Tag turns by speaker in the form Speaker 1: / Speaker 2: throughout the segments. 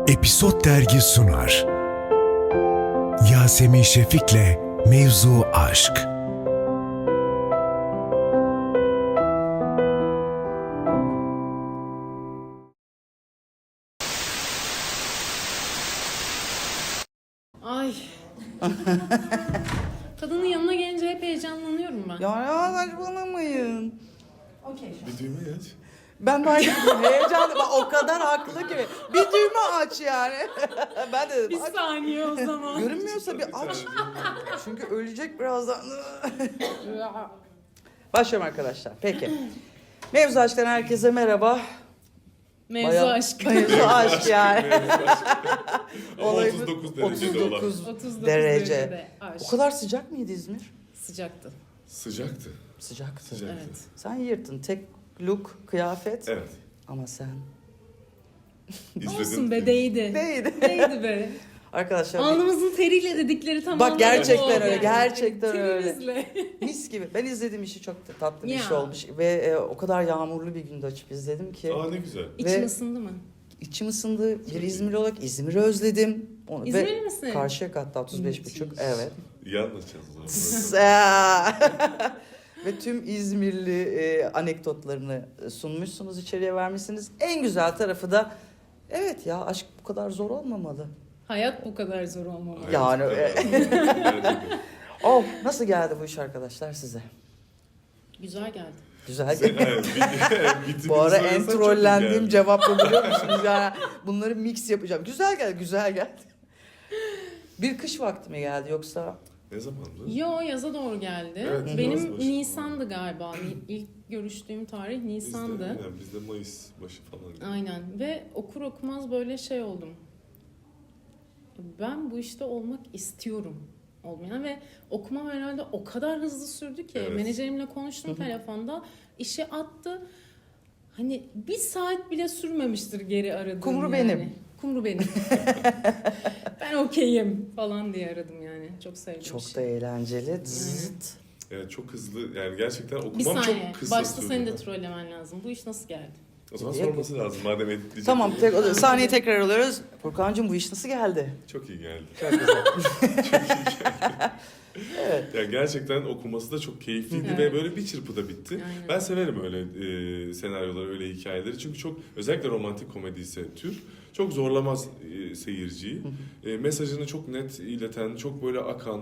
Speaker 1: Episod Dergi sunar. Yasemin Şefik'le Mevzu Aşk.
Speaker 2: Ay. Kadının yanına gelince hep heyecanlanıyorum ben.
Speaker 3: Ya saçmalamayın.
Speaker 2: Okey.
Speaker 4: Bir düğme aç.
Speaker 3: Ben de aynı heyecanlı. Bak, o kadar haklı ki. Bir düğme aç yani. Ben de dedim.
Speaker 2: Bir
Speaker 3: aç.
Speaker 2: saniye o zaman.
Speaker 3: Görünmüyorsa bir aç. Çünkü ölecek birazdan. Başlıyorum arkadaşlar. Peki. Mevzu Aşk'tan herkese merhaba.
Speaker 2: Mevzu aşk.
Speaker 3: Mevzu aşk yani.
Speaker 4: Ama
Speaker 3: Olayımız
Speaker 4: 39 derecede olan.
Speaker 2: 39
Speaker 3: derece.
Speaker 2: derecede aşk.
Speaker 3: O kadar sıcak mıydı İzmir?
Speaker 2: Sıcaktı.
Speaker 4: Sıcaktı.
Speaker 3: Sıcaktı.
Speaker 4: Sıcaktı.
Speaker 2: Evet.
Speaker 3: Sen yırttın. Tek look, kıyafet.
Speaker 4: Evet.
Speaker 3: Ama sen.
Speaker 2: Olsun be, değdi.
Speaker 3: Değdi.
Speaker 2: Değdi be.
Speaker 3: Arkadaşlar
Speaker 2: Alnımızın teriyle dedikleri tamam.
Speaker 3: Bak, gerçekten
Speaker 2: oldu
Speaker 3: öyle,
Speaker 2: yani.
Speaker 3: gerçekten öyle.
Speaker 2: Terimizle.
Speaker 3: mis gibi. Ben izlediğim işi çok da tatlı bir
Speaker 2: Ya.
Speaker 3: iş olmuş. Ve o kadar yağmurlu bir günde açıp izledim ki.
Speaker 4: Aa ne güzel.
Speaker 2: İçin ısındı mı?
Speaker 3: İçim ısındı. Bir İzmir olarak İzmir'i özledim.
Speaker 2: İzmirli misin?
Speaker 3: Karşıyaka hatta 35,5.
Speaker 2: Müthiş.
Speaker 3: Evet.
Speaker 4: İyi anlatacağız o zaman.
Speaker 3: Ve tüm İzmirli anekdotlarını sunmuşsunuz, içeriye vermişsiniz. En güzel tarafı da evet ya, aşk bu kadar zor olmamalı.
Speaker 2: Hayat bu kadar zor olmamalı.
Speaker 3: Yani,
Speaker 4: Gerçekten.
Speaker 3: Oh, nasıl geldi bu iş arkadaşlar size?
Speaker 2: Güzel geldi.
Speaker 3: Güzel
Speaker 4: Sen-
Speaker 3: geldi.
Speaker 4: evet, bitimini
Speaker 3: Bu ara en
Speaker 4: söylesen çok iyi
Speaker 3: trollendiğim
Speaker 4: geldi.
Speaker 3: cevap bu, biliyor musunuz? Yani bunları mix yapacağım. Güzel geldi, güzel geldi. Bir kış vakti mi geldi yoksa?
Speaker 4: Ne zamandı?
Speaker 2: Yo, yaza doğru geldi.
Speaker 4: Evet, yaz
Speaker 2: Benim
Speaker 4: başı.
Speaker 2: Nisan'dı galiba. İlk görüştüğüm tarih Nisan'dı.
Speaker 4: Bizde Mayıs başı falan.
Speaker 2: Aynen, ve okur okumaz böyle şey oldum. Ben bu işte olmak istiyorum olmayan ve okumam herhalde o kadar hızlı sürdü ki
Speaker 4: Evet.
Speaker 2: menajerimle konuştum telefonda, işe attı. Hani bir saat bile sürmemiştir geri aradığım.
Speaker 3: Kumru
Speaker 2: yani.
Speaker 3: benim.
Speaker 2: Kumru benim. Ben okeyim falan diye aradım yani. Çok sevdim.
Speaker 3: Çok
Speaker 2: işi.
Speaker 3: da eğlenceli. Zıt.
Speaker 4: Evet çok hızlı yani gerçekten
Speaker 2: Bir
Speaker 4: okumam
Speaker 2: saniye.
Speaker 4: çok kısa
Speaker 2: Başta
Speaker 4: sürdü.
Speaker 2: seni de trollemen lazım. Bu iş nasıl geldi?
Speaker 4: O zaman sorması lazım madem editleyecek.
Speaker 3: Tamam, sahneyi tekrar alıyoruz. Furkan'cığım, bu iş nasıl geldi?
Speaker 4: Çok iyi geldi.
Speaker 3: Çok güzel.
Speaker 4: Yani gerçekten okuması da çok keyifliydi
Speaker 2: Evet.
Speaker 4: ve böyle bir çırpıda bitti.
Speaker 2: Aynen.
Speaker 4: Ben severim öyle senaryoları, öyle hikayeleri. Çünkü çok özellikle romantik komedi ise tür çok zorlamaz seyirciyi. Mesajını çok net ileten, çok böyle akan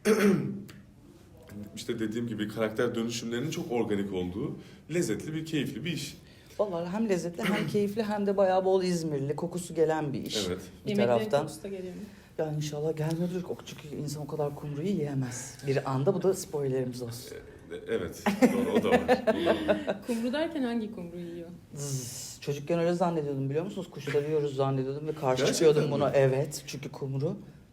Speaker 4: işte dediğim gibi karakter dönüşümlerinin çok organik olduğu lezzetli bir keyifli bir iş.
Speaker 3: Vallahi hem lezzetli hem keyifli hem de bayağı bol İzmirli kokusu gelen bir iş.
Speaker 4: Evet.
Speaker 3: Bir
Speaker 2: Yemeklerin
Speaker 3: taraftan.
Speaker 2: kokusu da geliyor mu?
Speaker 3: Ya inşallah gelmiyordur. Çünkü insan o kadar kumruyu yiyemez. Bir anda, bu da spoilerimiz olsun.
Speaker 4: Evet. Doğru, o da var. O da var.
Speaker 2: Kumru derken hangi kumru yiyor?
Speaker 3: Zzz. Çocukken öyle zannediyordum, biliyor musunuz? Kuşları yiyoruz zannediyordum ve karşı
Speaker 4: Gerçekten
Speaker 3: çıkıyordum
Speaker 4: mi?
Speaker 3: buna. Evet, çünkü kumru.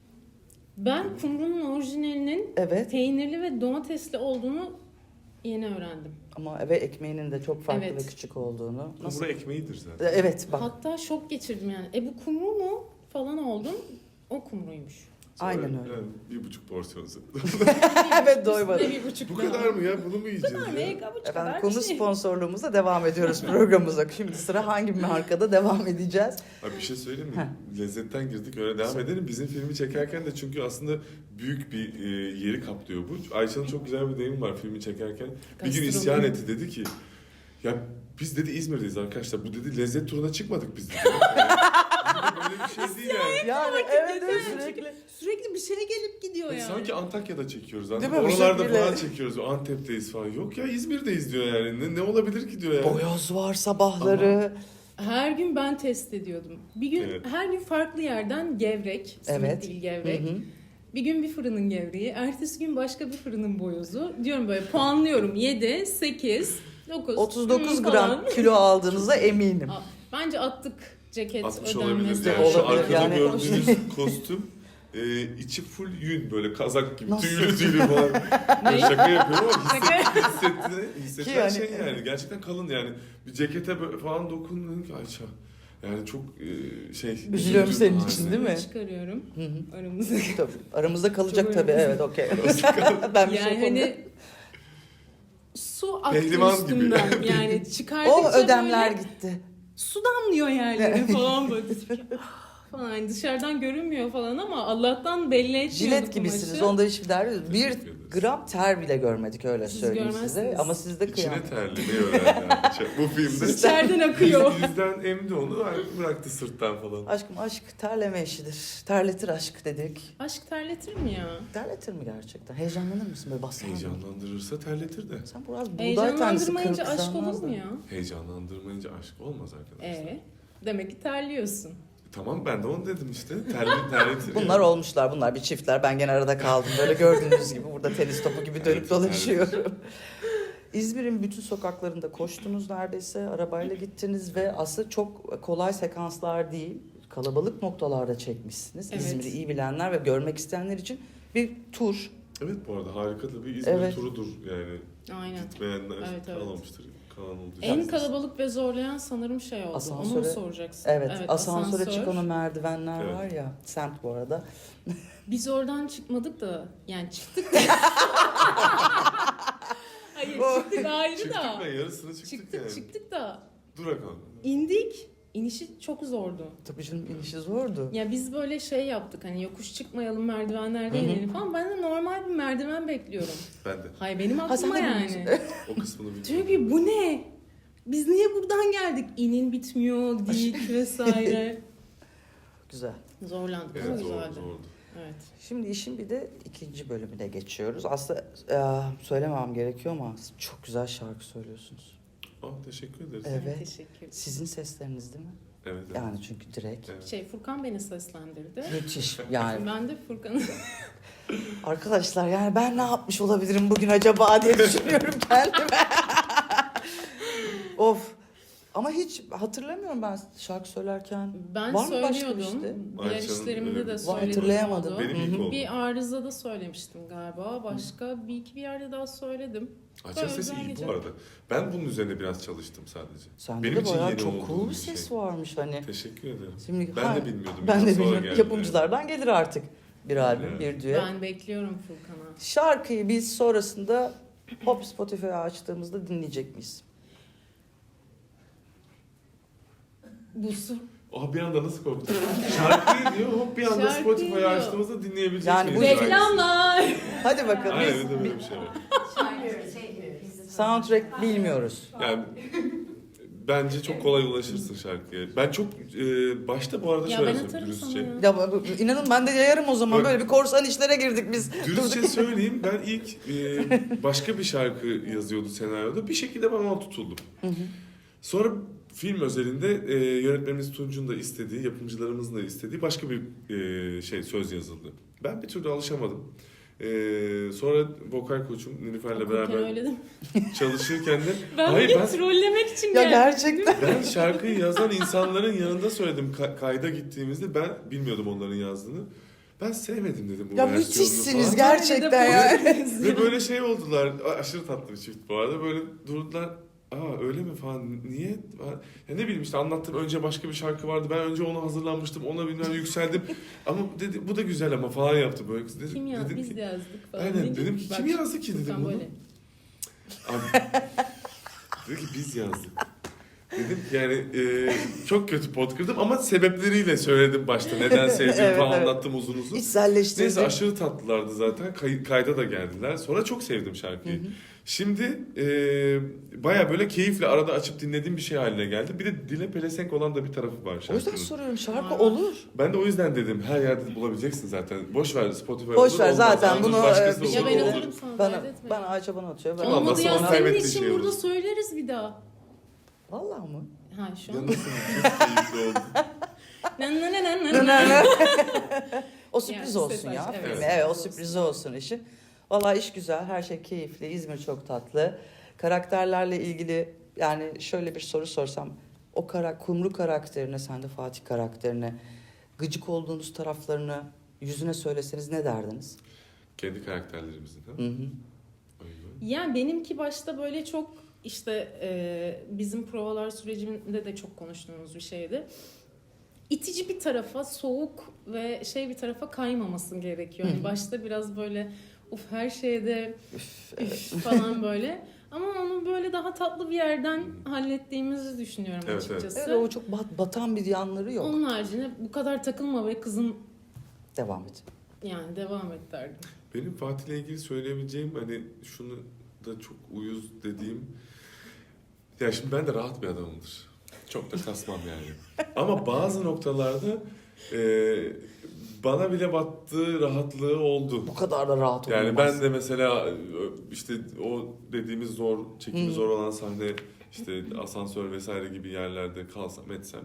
Speaker 2: Ben kumrunun orijinalinin
Speaker 3: Evet.
Speaker 2: peynirli ve domatesli olduğunu yeni öğrendim.
Speaker 3: Ama ve ekmeğinin de çok farklı
Speaker 2: Evet.
Speaker 3: ve küçük olduğunu.
Speaker 4: Kumru ekmeğidir zaten.
Speaker 3: Evet, bak.
Speaker 2: Hatta şok geçirdim yani. Bu kumru mu falan oldum. O kumruymuş.
Speaker 3: Aynen öyle.
Speaker 4: Yani 1,5 porsiyon.
Speaker 3: Evet, doymadım.
Speaker 2: Üstüne 1,5
Speaker 4: Bu kadar mı ya? Bunu mu yiyeceğiz
Speaker 2: Ne
Speaker 4: ya?
Speaker 2: kabuç
Speaker 3: Efendim,
Speaker 2: kadar
Speaker 3: konu
Speaker 2: bir şey.
Speaker 3: sponsorluğumuza devam ediyoruz programımıza. Şimdi sıra hangi markada devam edeceğiz?
Speaker 4: Abi bir şey söyleyeyim mi? Lezzetten girdik öyle devam edelim. Bizim filmi çekerken de çünkü aslında büyük bir yeri kaplıyor bu. Ayça'nın çok güzel bir deyimi var filmi çekerken. Bir gün
Speaker 2: Gastronomi.
Speaker 4: isyan etti, dedi ki ya biz dedi İzmir'deyiz arkadaşlar. Bu dedi lezzet turuna çıkmadık biz dedi. Yani, böyle bir şey değil yani.
Speaker 3: Yani evet, sürekli.
Speaker 2: Sürekli bir şeye gelip gidiyor yani.
Speaker 4: Sanki Antakya'da çekiyoruz.
Speaker 3: Değil
Speaker 4: Anladın
Speaker 3: mi?
Speaker 4: mı?
Speaker 3: Bu
Speaker 4: Oralarda
Speaker 3: şekilde.
Speaker 4: falan çekiyoruz. Antep'teyiz falan. Yok ya İzmir'deyiz diyor yani. Ne olabilir ki diyor yani.
Speaker 3: Boyoz var sabahları.
Speaker 2: Her gün ben test ediyordum. Bir gün
Speaker 4: Evet.
Speaker 2: her gün farklı yerden gevrek, simit
Speaker 3: Evet.
Speaker 2: değil gevrek.
Speaker 3: Hı hı.
Speaker 2: Bir gün bir fırının gevreği, ertesi gün başka bir fırının boyozu. Diyorum böyle, puanlıyorum 7, 8, 9.
Speaker 3: 39 gram
Speaker 2: falan.
Speaker 3: kilo aldığınıza eminim.
Speaker 2: Bence attık ceket
Speaker 4: 60
Speaker 2: ödenmesi.
Speaker 4: olabilir yani. Şu
Speaker 3: Olabilir
Speaker 4: arkada
Speaker 3: yani.
Speaker 4: gördüğünüz kostüm içi full yün böyle kazak gibi
Speaker 3: Nasıl?
Speaker 4: tüylü tüylü falan.
Speaker 2: Ne?
Speaker 4: Şaka yapıyorum ama
Speaker 2: Şaka.
Speaker 4: hissetilen
Speaker 3: Ki yani-
Speaker 4: şey yani gerçekten kalın yani. Bir cekete böyle falan dokundun ki Ayça. Yani çok
Speaker 3: Üzülüyorum senin
Speaker 4: üzücü.
Speaker 3: için, değil mi?
Speaker 2: Çıkarıyorum
Speaker 3: Hı hı.
Speaker 2: aramızda.
Speaker 3: Tabii, aramızda kalacak
Speaker 2: Çok
Speaker 3: tabii.
Speaker 2: önemli.
Speaker 3: Evet, okey. Ben bir şey
Speaker 2: Yani
Speaker 3: yapamıyorum.
Speaker 2: hani su aktı
Speaker 4: Pehlivan gibi.
Speaker 2: üstümden. Yani çıkardıkça
Speaker 3: O ödemler
Speaker 2: böyle
Speaker 3: gitti.
Speaker 2: su damlıyor yerlere falan böyle. falan. Yani dışarıdan görünmüyor falan ama Allah'tan belli etmiyorduk
Speaker 3: Jilet gibisiniz.
Speaker 2: kumaşı.
Speaker 3: Onda hiçbir derdi yok. Bir
Speaker 4: Teşekkür ederiz.
Speaker 3: gram ter bile görmedik öyle
Speaker 2: Siz
Speaker 3: söyleyeyim size.
Speaker 2: görmezsiniz.
Speaker 3: Ama siz de
Speaker 4: İçine
Speaker 3: kıyam.
Speaker 4: terli ne öğrendi bu filmde.
Speaker 2: İçeriden akıyor.
Speaker 4: Yüzden emdi onu bıraktı sırttan falan.
Speaker 3: Aşkım aşk terleme işidir. Terletir aşk dedik.
Speaker 2: Aşk terletir mi ya?
Speaker 3: Terletir mi gerçekten? Heyecanlanır mısın böyle basın?
Speaker 4: Heyecanlandırırsa terletir de.
Speaker 3: Sen biraz buğday tanesi
Speaker 2: Heyecanlandırmayınca aşk
Speaker 3: kırkızlanmaz
Speaker 2: olur
Speaker 3: da.
Speaker 2: mu ya?
Speaker 4: Heyecanlandırmayınca aşk olmaz arkadaşlar.
Speaker 2: Demek ki terliyorsun.
Speaker 4: Tamam ben de onu dedim işte. Terletir.
Speaker 3: Bunlar olmuşlar, bunlar bir çiftler. Ben gene arada kaldım. Böyle gördüğünüz gibi burada tenis topu gibi dönüp
Speaker 4: Evet,
Speaker 3: dolaşıyorum. İzmir'in bütün sokaklarında koştunuz neredeyse. Arabayla gittiniz ve aslında çok kolay sekanslar değil. Kalabalık noktalarda çekmişsiniz.
Speaker 2: Evet.
Speaker 3: İzmir'i iyi bilenler ve görmek isteyenler için bir tur.
Speaker 4: Evet bu arada harika da bir İzmir
Speaker 3: Evet.
Speaker 4: turudur yani.
Speaker 2: Aynen.
Speaker 4: Gitmeyenler
Speaker 2: Evet, evet.
Speaker 4: kalmamıştır. Kalan oldu.
Speaker 2: En kalabalık ve zorlayan sanırım şey oldu. Onu mu
Speaker 3: Asansöre-
Speaker 2: soracaksın?
Speaker 3: Evet, asansöre
Speaker 2: asansör.
Speaker 3: çıkan o merdivenler
Speaker 4: Evet.
Speaker 3: var ya. Semt bu arada.
Speaker 2: Biz oradan çıkmadık da yani çıktık da. Hayır çıktık ayrı
Speaker 4: Çıktık
Speaker 2: da.
Speaker 4: ben yarısını çıktık yani.
Speaker 2: Çıktık da
Speaker 4: Durak aldım.
Speaker 2: indik. İnişi çok zordu.
Speaker 3: Tabii canım inişi zordu.
Speaker 2: Ya biz böyle şey yaptık hani yokuş çıkmayalım merdivenlerde inelim falan. Ben de normal bir merdiven bekliyorum.
Speaker 4: Ben de.
Speaker 2: Hay benim
Speaker 3: Ha, sen
Speaker 2: aklıma
Speaker 3: de
Speaker 2: yani.
Speaker 3: biliyorsun.
Speaker 4: O kısmını bilmiyorum.
Speaker 2: Diyor ki bu ne? Biz niye buradan geldik? İnin bitmiyor, dik vesaire.
Speaker 3: Güzel.
Speaker 2: Zorlandık ama
Speaker 4: Evet zordu
Speaker 2: güzeldi.
Speaker 4: zordu.
Speaker 2: Evet.
Speaker 3: Şimdi işin bir de ikinci bölümüne geçiyoruz. Aslında söylemem gerekiyor ama çok güzel şarkı söylüyorsunuz.
Speaker 4: Teşekkür ederiz.
Speaker 3: Evet.
Speaker 2: Teşekkür ederim.
Speaker 3: Sizin sesleriniz değil mi?
Speaker 4: Evet. evet.
Speaker 3: Yani çünkü direkt.
Speaker 4: Evet.
Speaker 2: Furkan beni seslendirdi.
Speaker 3: Müthiş. Yani
Speaker 2: Ben de Furkan'ı
Speaker 3: arkadaşlar yani ben ne yapmış olabilirim bugün acaba diye düşünüyorum kendime. Of. Ama hiç hatırlamıyorum ben şarkı söylerken.
Speaker 2: ben
Speaker 3: Var mı başka bir
Speaker 2: söylüyordum.
Speaker 3: işte?
Speaker 2: Diğer
Speaker 4: Ayça'nın
Speaker 2: işlerimde
Speaker 4: öyle
Speaker 2: de
Speaker 4: bir-
Speaker 2: söyledim.
Speaker 3: Hatırlayamadım.
Speaker 2: oldu.
Speaker 4: Benim ilk oldu.
Speaker 2: Bir arızada söylemiştim galiba. Başka bir iki bir yerde daha söyledim.
Speaker 4: Açar sesi
Speaker 2: Güzel
Speaker 4: iyi
Speaker 2: gece.
Speaker 4: bu arada. Ben bunun üzerine biraz çalıştım sadece.
Speaker 3: Sende
Speaker 4: Benim
Speaker 3: de
Speaker 4: için
Speaker 3: bayağı
Speaker 4: yeni
Speaker 3: çok
Speaker 4: olduğum
Speaker 3: cool bir
Speaker 4: bir
Speaker 3: ses
Speaker 4: şey.
Speaker 3: varmış hani.
Speaker 4: Teşekkür ederim.
Speaker 3: Şimdi,
Speaker 4: Ben de bilmiyordum.
Speaker 3: Ben de
Speaker 4: Biraz sonra
Speaker 3: bilmiyorum.
Speaker 4: geldi.
Speaker 3: Yapımcılardan gelir artık bir albüm,
Speaker 4: Evet.
Speaker 3: bir düet.
Speaker 2: Ben bekliyorum Furkan'a.
Speaker 3: Şarkıyı biz sonrasında hop Spotify'ı açtığımızda dinleyecek miyiz?
Speaker 2: Busu.
Speaker 4: Bir anda nasıl korktum? Şarkıyı diyor hop bir anda
Speaker 2: Şarkıyı
Speaker 4: Spotify'ı
Speaker 2: diyor.
Speaker 4: açtığımızda dinleyebilecek
Speaker 3: Yani
Speaker 4: miyiz?
Speaker 3: bu-
Speaker 4: şarkısını?
Speaker 2: Reklamlar.
Speaker 3: Hadi bakalım.
Speaker 4: Aynen
Speaker 3: Biz
Speaker 4: bir de böyle bir şey var.
Speaker 3: soundtrack bilmiyoruz.
Speaker 4: Yani bence çok kolay ulaşırsın şarkıya. Ben çok başta bu arada
Speaker 2: Ya
Speaker 4: şöyle
Speaker 2: ben
Speaker 4: söyleyeyim
Speaker 2: atarım sana
Speaker 4: dürüstçe.
Speaker 2: ya.
Speaker 3: Ya inanın ben de yayarım o zaman.
Speaker 4: Bak-
Speaker 3: Böyle bir korsan işlere girdik biz.
Speaker 4: Dürüstçe söyleyeyim ben ilk başka bir şarkı yazıyordu senaryoda. Bir şekilde ben ona tutuldum. Sonra film özelinde yönetmenimiz Tunç'un da istediği, yapımcılarımızın da istediği başka bir söz yazıldı. Ben bir türlü alışamadım. Sonra vokal koçum Nilüfer'le
Speaker 2: Okurken
Speaker 4: beraber
Speaker 2: öyle dedim.
Speaker 4: çalışırken de
Speaker 2: Ben
Speaker 4: hayır
Speaker 2: bir
Speaker 4: ben
Speaker 2: trollemek için
Speaker 3: Ya
Speaker 2: geldim.
Speaker 3: gerçekten.
Speaker 4: ben şarkıyı yazan insanların yanında söyledim kayda gittiğimizde ben bilmiyordum onların yazdığını. Ben sevmedim dedim bu
Speaker 3: Ya
Speaker 4: versiyonunu
Speaker 3: müthişsiniz
Speaker 4: falan.
Speaker 3: gerçekten ya.
Speaker 4: Ve böyle şey oldular. Aşırı tatlı bir çift bu arada. Böyle durdular. Öyle mi falan. Niye? Ya ne bileyim işte anlattım. Önce başka bir şarkı vardı. Ben önce ona hazırlanmıştım. Ona bilmem yükseldim. Ama dedi bu da güzel ama falan yaptı böyle.
Speaker 2: Kim yazdı?
Speaker 4: Dedim
Speaker 2: Biz
Speaker 4: ki,
Speaker 2: de yazdık falan.
Speaker 4: Aynen,
Speaker 2: Ne
Speaker 4: dedim
Speaker 2: ki?
Speaker 4: ki,
Speaker 2: Bak,
Speaker 4: kim yazdı ki dedim
Speaker 2: Furkan
Speaker 4: bunu.
Speaker 2: böyle.
Speaker 4: Abi, dedi ki biz yazdık. Dedim ki yani çok kötü pot kırdım ama sebepleriyle söyledim başta. Neden sevdiğimi
Speaker 3: Evet,
Speaker 4: falan
Speaker 3: evet.
Speaker 4: anlattım uzun uzun.
Speaker 3: İçselleştirdik.
Speaker 4: Neyse aşırı tatlılardı zaten. Kayda da geldiler. Sonra çok sevdim şarkıyı. Şimdi baya böyle keyifle arada açıp dinlediğim bir şey haline geldi. Bir de dile pelesenk olan da bir tarafı var
Speaker 3: O yüzden
Speaker 4: şarkının.
Speaker 3: soruyorum şarkı
Speaker 2: Aa.
Speaker 3: olur.
Speaker 4: Ben de o yüzden dedim her yerde bulabileceksin zaten. Boş ver Spotify
Speaker 3: Boş
Speaker 4: olur,
Speaker 3: ver,
Speaker 4: olmaz.
Speaker 3: zaten
Speaker 4: Yalnız
Speaker 3: bunu,
Speaker 4: başkası
Speaker 3: bir
Speaker 4: olur,
Speaker 2: Ya ben
Speaker 3: şekilde-
Speaker 4: olur.
Speaker 2: atarım sana.
Speaker 3: Bana,
Speaker 2: dert etme.
Speaker 3: bana atıyor. Ben
Speaker 4: Tamam,
Speaker 2: Olmadı
Speaker 4: nasıl
Speaker 2: ya
Speaker 4: onu
Speaker 2: senin
Speaker 4: kaybettiğin
Speaker 2: için
Speaker 4: şey
Speaker 2: burada
Speaker 4: olur.
Speaker 2: söyleriz bir daha.
Speaker 3: Vallahi mı?
Speaker 2: Ha şu
Speaker 4: Ya
Speaker 2: an.
Speaker 4: nasıl? Çok keyifli oldu.
Speaker 3: O sürpriz
Speaker 2: Yani
Speaker 3: olsun
Speaker 2: sürpriz,
Speaker 3: ya.
Speaker 2: evet.
Speaker 3: filme.
Speaker 4: Evet.
Speaker 3: Evet, o sürpriz olsun işin. Vallahi iş güzel, her şey keyifli. İzmir çok tatlı. Karakterlerle ilgili yani şöyle bir soru sorsam. O Kumru karakterine, sen de Fatih karakterine gıcık olduğunuz taraflarını yüzüne söyleseniz ne derdiniz?
Speaker 4: Kendi karakterlerimizin ha?
Speaker 3: Hı hı.
Speaker 4: Aynen.
Speaker 2: Yani benimki başta böyle çok işte bizim provalar sürecinde de çok konuştuğumuz bir şeydi. İtici bir tarafa, soğuk ve bir tarafa kaymaması gerekiyor. Yani başta biraz böyle her şeyde üf falan böyle. Ama onu böyle daha tatlı bir yerden hallettiğimizi düşünüyorum
Speaker 4: Evet,
Speaker 2: açıkçası.
Speaker 3: Evet, o çok batan bir yanları yok.
Speaker 2: Onun haricinde bu kadar takılma ve kızım,
Speaker 3: Devam et.
Speaker 2: yani devam et derdim.
Speaker 4: Benim Fatih'le ilgili söyleyebileceğim hani şunu da çok uyuz dediğim, ya şimdi ben de rahat bir adamımdır. Çok da kasmam yani. Ama bazı noktalarda bana bile battığı rahatlığı oldu.
Speaker 3: Bu kadar da rahat olmaz.
Speaker 4: Yani ben de mesela işte o dediğimiz zor, çekimi
Speaker 3: Hı.
Speaker 4: zor olan sahne, işte asansör vesaire gibi yerlerde kalsam etsem,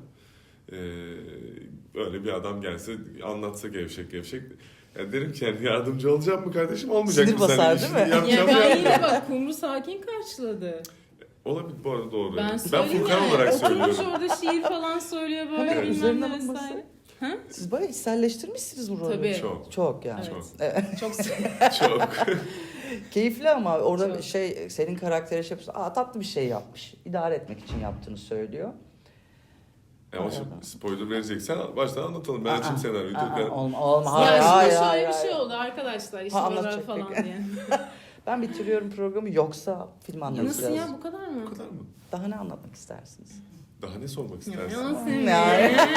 Speaker 4: öyle bir adam gelse anlatsa gevşek gevşek, ya derim ki yani yardımcı olacağım mı kardeşim, olmayacak
Speaker 3: Sinir
Speaker 4: mı sen?
Speaker 3: basar,
Speaker 4: İşini
Speaker 3: değil mi?
Speaker 2: Ya
Speaker 4: yapacağım
Speaker 2: ben
Speaker 4: ya.
Speaker 2: yine bak Kumru sakin karşıladı.
Speaker 4: Olabilir, bu arada doğru.
Speaker 2: Ben
Speaker 4: Ben
Speaker 2: söyleyeyim
Speaker 4: Furkan
Speaker 2: yani.
Speaker 4: olarak
Speaker 2: Oturmuş
Speaker 4: söylüyorum.
Speaker 2: orada şiir falan söylüyor böyle
Speaker 3: Hemen
Speaker 2: bilmem
Speaker 3: üzerine
Speaker 2: ne
Speaker 3: alınması.
Speaker 2: vesaire.
Speaker 3: Siz bayağı içselleştirmişsiniz bu rolü.
Speaker 2: Tabii.
Speaker 4: Çok,
Speaker 3: Çok yani.
Speaker 2: Evet.
Speaker 4: çok,
Speaker 2: Çok
Speaker 4: çok.
Speaker 3: Keyifli ama orada
Speaker 2: Çok.
Speaker 3: senin karakteri şey yapıyorsun. Tatlı bir şey yapmış. İdare etmek için yaptığını söylüyor.
Speaker 4: Ama şimdi spoiler vereceksen baştan anlatalım. Ben açayım senaryoyu.
Speaker 3: Olma.
Speaker 2: Ya
Speaker 3: Hayır,
Speaker 2: şimdi
Speaker 3: hayır,
Speaker 2: şöyle bir
Speaker 3: hayır.
Speaker 2: şey oldu arkadaşlar. İşte
Speaker 3: Ha,
Speaker 2: böyle
Speaker 3: anlatacak,
Speaker 2: falan
Speaker 3: peki.
Speaker 2: diye.
Speaker 3: Ben bitiriyorum programı, yoksa film anlatacağız.
Speaker 2: Nasıl ya, bu kadar mı?
Speaker 4: Bu kadar mı?
Speaker 3: Daha ne anlatmak istersiniz?
Speaker 4: Daha ne sormak
Speaker 2: Ya,
Speaker 4: istersin?
Speaker 2: nasıl
Speaker 3: Yani.
Speaker 2: ya?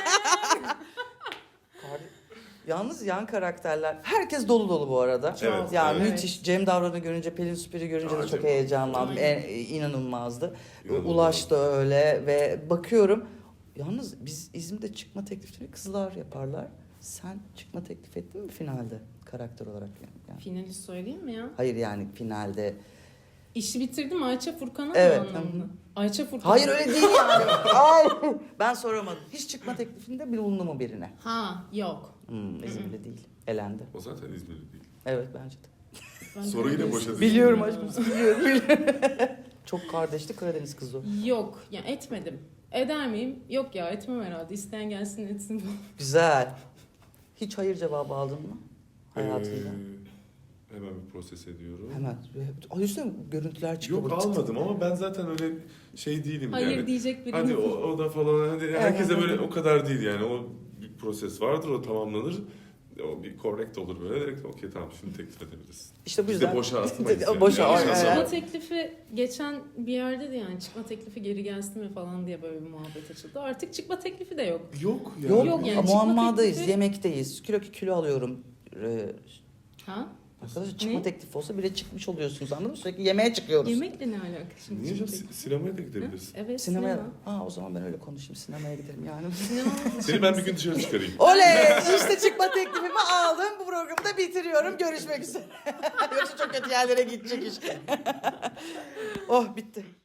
Speaker 3: Yalnız yan karakterler, herkes dolu dolu bu arada.
Speaker 4: Evet,
Speaker 3: Ya
Speaker 4: evet.
Speaker 3: müthiş. Cem Davran'ı görünce, Pelin Süper'i görünce de
Speaker 4: Aa,
Speaker 3: çok
Speaker 4: Cem.
Speaker 3: heyecanlandım.
Speaker 2: Aynen.
Speaker 3: İnanılmazdı.
Speaker 4: İnanılmaz.
Speaker 3: Ulaş da öyle ve bakıyorum. Yalnız biz İzmir'de çıkma teklifini kızlar yaparlar. Sen çıkma teklif ettin mi finalde karakter olarak yani?
Speaker 2: Finali söyleyeyim mi ya?
Speaker 3: Hayır yani finalde.
Speaker 2: İşi bitirdim Ayça Furkan'a
Speaker 3: Evet,
Speaker 2: mı anlamında?
Speaker 3: hı hı.
Speaker 2: Ayça Furkan.
Speaker 3: Hayır öyle değil yani. Ay, ben soramadım. Hiç çıkma teklifinde bulundu mu birine?
Speaker 2: Ha yok.
Speaker 3: İzmir'de değil. Elendi.
Speaker 4: O zaten İzmirli değil.
Speaker 3: Evet bence de.
Speaker 2: Ben
Speaker 4: Soru yine
Speaker 2: Karadeniz
Speaker 4: boşa
Speaker 2: kızıyım.
Speaker 4: düştü.
Speaker 3: Biliyorum aşkım, biliyorum. Çok kardeşli Karadeniz kızı o.
Speaker 2: Yok ya, etmedim. Eder miyim? Yok ya, etmem herhalde. İsteyen gelsin etsin.
Speaker 3: Güzel. Hiç hayır cevabı aldın mı hayatında?
Speaker 4: Hemen bir proses ediyorum.
Speaker 3: Hemen. Ay üstüne görüntüler çıkıyor.
Speaker 4: Yok
Speaker 3: böyle tık tık.
Speaker 4: almadım ama ben zaten öyle şey değilim
Speaker 2: Hayır
Speaker 4: yani.
Speaker 2: diyecek biri.
Speaker 4: Hadi o da falan, hadi herkese
Speaker 3: Evet.
Speaker 4: böyle o kadar değil yani. O bir proses vardır, o tamamlanır. O bir correct olur böyle. Direkt okey tamam, şimdi teklif edebiliriz.
Speaker 3: İşte bu
Speaker 4: Biz
Speaker 3: yüzden.
Speaker 4: de boşa atmayız. yani.
Speaker 3: Boşa,
Speaker 4: Yanlış
Speaker 3: aynen.
Speaker 4: anlama.
Speaker 2: Çıkma teklifi geçen bir yerde de yani çıkma teklifi geri gelsin mi falan diye böyle bir muhabbet açıldı. Artık çıkma teklifi de yok.
Speaker 4: Yok ya.
Speaker 3: Yok,
Speaker 2: Yok yani, çıkma
Speaker 3: muammadayız,
Speaker 2: teklifi-
Speaker 3: yemekteyiz. Kilo alıyorum.
Speaker 2: Ha?
Speaker 3: Arkadaşlar çıkma
Speaker 2: Ne?
Speaker 3: teklifi olsa bile çıkmış oluyorsunuz, anladın mı? Sürekli yemeğe çıkıyoruz.
Speaker 2: Yemekle ne alaka şimdi?
Speaker 4: Niye
Speaker 2: çıkma
Speaker 4: canım,
Speaker 2: teklifi?
Speaker 4: sinemaya da gidebiliriz.
Speaker 2: Evet,
Speaker 3: Sinemaya.
Speaker 2: sinema.
Speaker 3: O zaman ben öyle konuşayım. Sinemaya gidelim yani.
Speaker 2: Sinema.
Speaker 4: Seni ben bir gün dışarı çıkarayım.
Speaker 3: Oley! İşte çıkma teklifimi aldım. Bu programı da bitiriyorum. Görüşmek üzere. Yoksa çok kötü yerlere gidecek iş. Oh bitti.